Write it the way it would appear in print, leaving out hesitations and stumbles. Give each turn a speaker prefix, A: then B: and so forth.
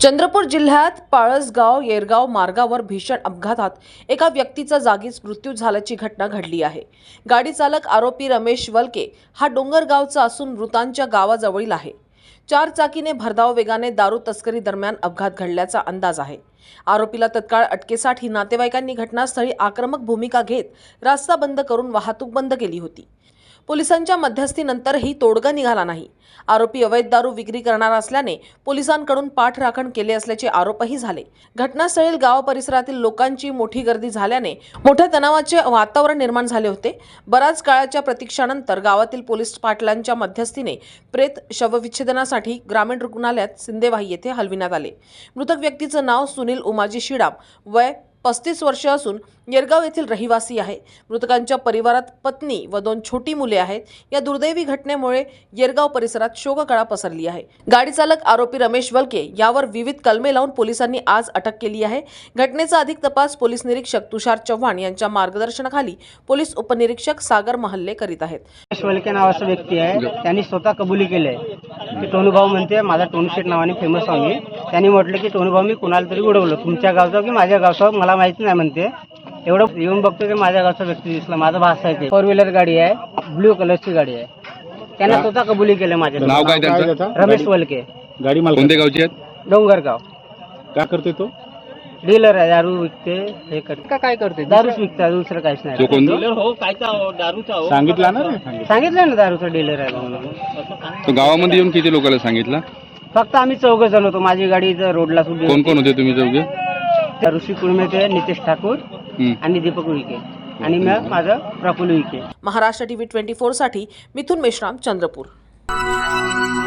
A: चंद्रपूर जिल्ह्यात पाळसगाव येरगाव मार्गावर भीषण अपघातात एका व्यक्तीचा जागीच मृत्यू झाल्याची घटना घडली आहे। गाडी चालक आरोपी रमेश वलके हा डोंगरगावचा असून मृतांच्या गावाजवळील आहे। 4 चाकीने भरधाव वेगाने दारू तस्करी दरम्यान अपघात घडल्याचा अंदाज आहे। आरोपीला तत्काळ अटकेसाठी नातेवाईकांनी घटनास्थळी आक्रमक भूमिका घेत रस्ता बंद करून वाहतूक बंद केली होती। पोलिसांच्या मध्यस्थीनंतरही तोडगा निघाला नाही। आरोपी अवैध दारू विक्री करणार असल्याने पोलिसांकडून पाठराखण केले असल्याचे आरोपही झाले। घटनास्थळी गाव परिसरातील लोकांची मोठी गर्दी झाल्याने मोठ्या तणावाचे वातावरण निर्माण झाले होते। बराच काळाच्या प्रतीक्षेनंतर गावातील पोलीस पाटलांच्या मध्यस्थीने प्रेत शवविच्छेदनासाठी ग्रामीण रुग्णालयात सिंदेवाही येथे हलविण्यात आले। मृतक व्यक्तीचे नाव सुनील उमाजी शिडाम, वय 35 वर्ष असून येरगाव येथील रहिवासी आहे। मृतकांच्या परिवारात पत्नी व 2 छोटी मुले आहेत। या दुर्दैवी घटनेमुळे येरगाव परिसरात शोककळा पसरली आहे। गाडी चालक आरोपी रमेश वलके यावर विविध कलमे लावून पोलिसांनी आज अटक केली आहे। घटनेचा अधिक तपास पोलीस निरीक्षक तुषार चव्हाण यांच्या मार्गदर्शनाखाली पोलीस उपनिरीक्षक सागर महल्ले करीत आहेत।
B: रमेश वलके नावाचा व्यक्ती आहे, त्यांनी स्वतः कबुली केले की टोनूभाऊ म्हणते माझा टोनूशेट नावाने फेमस आहे मी। त्यांनी म्हटलं की टोनूभाऊ मी कुणाला तरी उडवलं, तुमच्या गावचा की माझ्या गावचा मला माहिती नाही म्हणते। एवढं येऊन बघतो की माझ्या गावचा व्यक्ती दिसला, माझा भास आहे ते 4 व्हीलर गाडी आहे, ब्ल्यू कलरची गाडी आहे। त्यांना स्वतः कबुली केले माझ्या
C: नाव काय त्यांचं?
B: रमेश वलके।
C: गाडी मालक कोणत्या गावची आहेत?
B: डोंगरगाव।
C: काय करते तो?
B: डीलर आहे, दारू विकते, हे करते काय करते, दारूच विकते, दुसरं काहीच नाही।
C: तो कोण?
B: डीलर हो, कायचा दारूचा हो,
C: सांगितलं ना?
B: सांगितलं ना दारूचा डीलर आहे म्हणून।
C: तो गावामध्ये येऊन किती लोकांना सांगितलं?
B: फक्त आम्ही 4 जण होतो, माझी गाडी रोडला सुद्धा।
C: कोण कोण होते तुम्ही चौघे?
B: ऋषी कुळमे, ते नितेश ठाकूर आणि दीपक उईके आणि मग माझं प्रफुल्ल उईके।
A: महाराष्ट्र टीव्ही 24 साठी मिथुन मेश्राम, चंद्रपूर।